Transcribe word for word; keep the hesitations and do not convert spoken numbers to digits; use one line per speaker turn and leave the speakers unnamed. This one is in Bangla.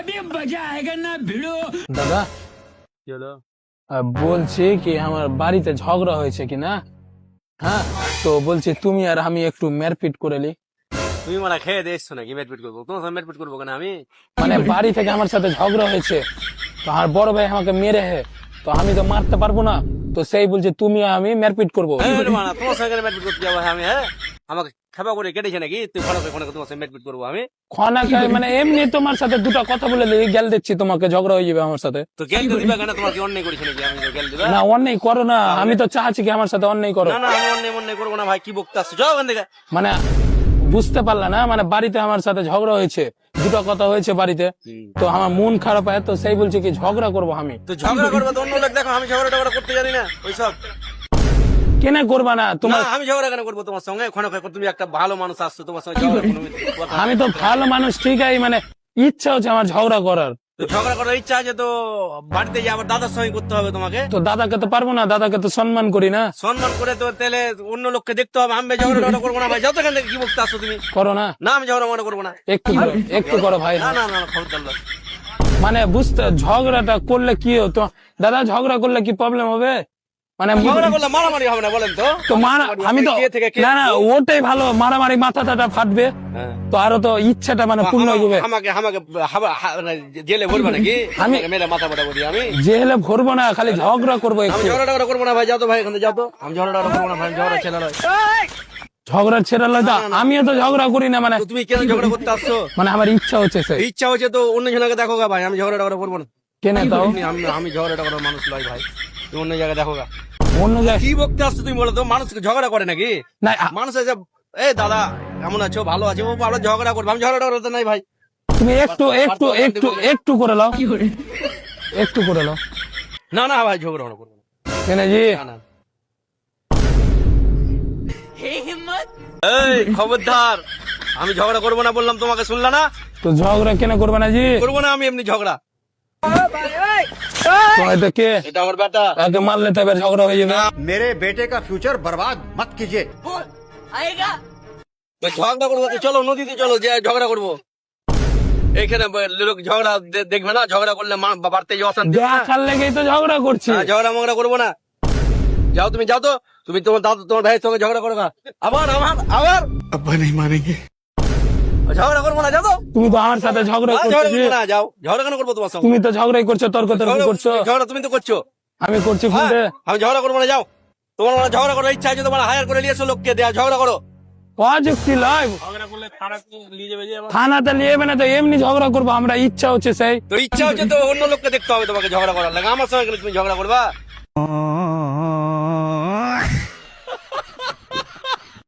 দাদা আহ, বলছি কি আমার বাড়িতে ঝগড়া হয়েছে কি না, হ্যাঁ তো বলছি তুমি আর আমি একটু মেরপিট করে নি।
তুমি মানে খেয়ে দিয়ে এসছো নাকি মেটপিট করবো? তোমার সাথে মেটপিট করবো কেন আমি?
মানে বাড়ি থেকে আমার সাথে ঝগড়া হয়েছে, তো আমার বড় ভাই আমাকে মেরে হে, তো আমি তো মারতে পারবো না, তো সেই বলছে তুমি আর আমি মেরপিট করবো।
এই বলে মানা, তোমার সঙ্গে মেটপিট করতে যাবো আমি? হ্যাঁ, আমাকে খাবা করে কেটেছে নাকি? তুই ফোন করে ফোন করে তোমার সঙ্গে মেটপিট করবো আমি?
খানা খাই মানে এমনি তোমার সাথে দুটো কথা বলে দিই, গেল দিচ্ছি তোমাকে, ঝগড়া হয়ে যাবে আমার সাথে।
তো গেল দিবা কেন? তোমার কি অন্যায় করেছে নাকি? আমি গেল দিবা
না অন্যায় করো না, আমি তো চাচ্ছি কি আমার সাথে অন্যায় করো।
না না, আমি অন্যায় অন্যায় করবো না ভাই। কি বকতে আসছো? যাও ওখান থেকে।
মানে বুঝতে পারলে না, মানে বাড়িতে আমার সাথে ঝগড়া হয়েছে, দুটো কথা হয়েছে বাড়িতে, তো আমার মন খারাপ হয়, তো সেই বলছে কি ঝগড়া করবো আমি।
তো ঝগড়া করবো তো অন্য লোক দেখো, আমি ঝগড়া টগড়া করতে জানি না ওইসব।
কেন করবা না
না
তোমার?
আমি ঝগড়া কেন করবো তোমার সঙ্গে? ক্ষণ তুমি একটা ভালো মানুষ আসছো, তোমার সঙ্গে ঝগড়া কোনো কথা
আমি তো ভালো মানুষ ঠিক আছে, মানে ইচ্ছা হচ্ছে আমার ঝগড়া করার,
তো ঝগড়া করার ইচ্ছা আছে তো বাড়িতে যে আবার দাদার সঙ্গে করতে হবে তোমাকে।
তো দাদাকে তো পারবো না, দাদাকে তো সম্মান করি না।
সম্মান করে তো তাহলে অন্য লোককে দেখতে হবে। আমি ঝগড়া টগড়া করবো না ভাই। যাও তো এখান থেকে। কি বকতে আসছো তুমি?
করো না,
না আমি ঝগড়া মনে করবো না।
একটু করো, একটু করো ভাই।
না না না না, খবরদার না।
মানে বুঝতে, ঝগড়াটা করলে কি হতো দাদা, ঝগড়া করলে কি প্রবলেম হবে? মানে
ঝগড়া করলে মারামারি হবে না বলেন তো?
তো মারা, আমি তো
কে থেকে কে?
না না ওটাই ভালো, মারামারি মাথা টাটা ফাটবে,
হ্যাঁ।
তো আরো তো ইচ্ছাটা মানে পূর্ণ হয়ে যাবে।
আমাকে আমাকে হাবা- হা- মানে জেলে ভরবে নাকি? আমি মেরে মাথা ফাটা বলি আমি?
জেলে ভরবো না, খালি ঝগড়া করবো
আমি
একটু।
ঝগড়া টগড়া করবো না ভাই। যাও তো ভাই এখান থেকে, যাও তো। আমি ঝগড়া টগড়া করবো না ভাই। আমি ঝগড়া ছেলে নয়।
ঝগড়া ছেড়ে তো আমিও তো ঝগড়া করি না, মানে
তো তুমি কেন ঝগড়া করতে আসছো?
মানে আমার ইচ্ছা হচ্ছে সেই।
ইচ্ছা হচ্ছে তো অন্য জনকে দেখো গা ভাই। আমি ঝগড়া টগড়া করবো না।
কেন তাও?
আমি আমি ঝগড়া টগড়া মানুষ নয় ভাই। তুমি অন্য জায়গায় দেখো গা।
অন্য জায়গায়
কি বকতে আসছো তুমি বলো তো? মানুষ ঝগড়া করে নাকি?
না, আ-
মানুষ এসে এই দাদা কেমন আছো, ভালো আছো, ও ভালো ঝগড়া করবে। আমি ঝগড়া টগড়া তো নাই ভাই।
তুমি একটু একটু একটু একটু করে লাও, একটু করে লাও।
না না ভাই, ঝগড়া করবো না।
কেন জি?
না না। এই খবরদার, আমি ঝগড়া করবো না বললাম তোমাকে, শুনলা না?
তো ঝগড়া কেন করবে না জি?
করবো না আমি এমনি ঝগড়া।
তো এটা কে?
এটা আমার বেটা।
তাকে মারলে তো এবার ঝগড়া হয়ে যাবে।
मेरे बेटे का फ्यूचर बर्बाद मत कीजिए।
তো ঝগড়া করবো তো চলো নদীতে চলো, যে ঝগড়া করবো। এখানে লোক ঝগড়া দে- দেখবে না? ঝগড়া করলে মা- বাড়তে যে অশান্তি হয় না?
দেখার লেগেই তো ঝগড়া করছি।
হ্যাঁ, ঝগড়া মগড়া করবো না। যাও তুমি, যাও তো। তুমি তোমার দাদু তোমার ভাইয়ের সঙ্গে ঝগড়া করো না। আবার আবার আবার
अब्बा नहीं मानेंगे।
ঝগড়া করবো না। যাও তো।
তুমি তো আমার সাথে ঝগড়া
আহ,
করছো
ঝগড়া
জি।
করবো না। যাও। ঝগড়া কেন করবো তোমার সঙ্গে?
তুমি তো ঝগড়াই করছো, তর্ক তর্ক
ঝগড়া-
করছো।
ঝগড়া তুমি তো করছো।
আমি করছি
হ্যাঁ,
ফোনটা।
আমি ঝগড়া করবো না। যাও। তোমার মানে ঝগড়া করার ইচ্ছা আছে, তোমার হায়ার করে নিয়ে এসো লোককে, দেয়া ঝগড়া করো।
অযুক্তি লাইভ
ঝগড়া করলে খারাপ নিয়ে যাবে যে আমার।
থানাতে নিয়ে যাবে না, তো এমনি ঝগড়া করবো আমরা, ইচ্ছা হচ্ছে সেই।
তো ইচ্ছা হচ্ছে তো অন্য লোককে দেখতে হবে তোমাকে ঝগড়া করার লাগে। আমার সঙ্গে গেলে তুমি ঝগড়া করবা?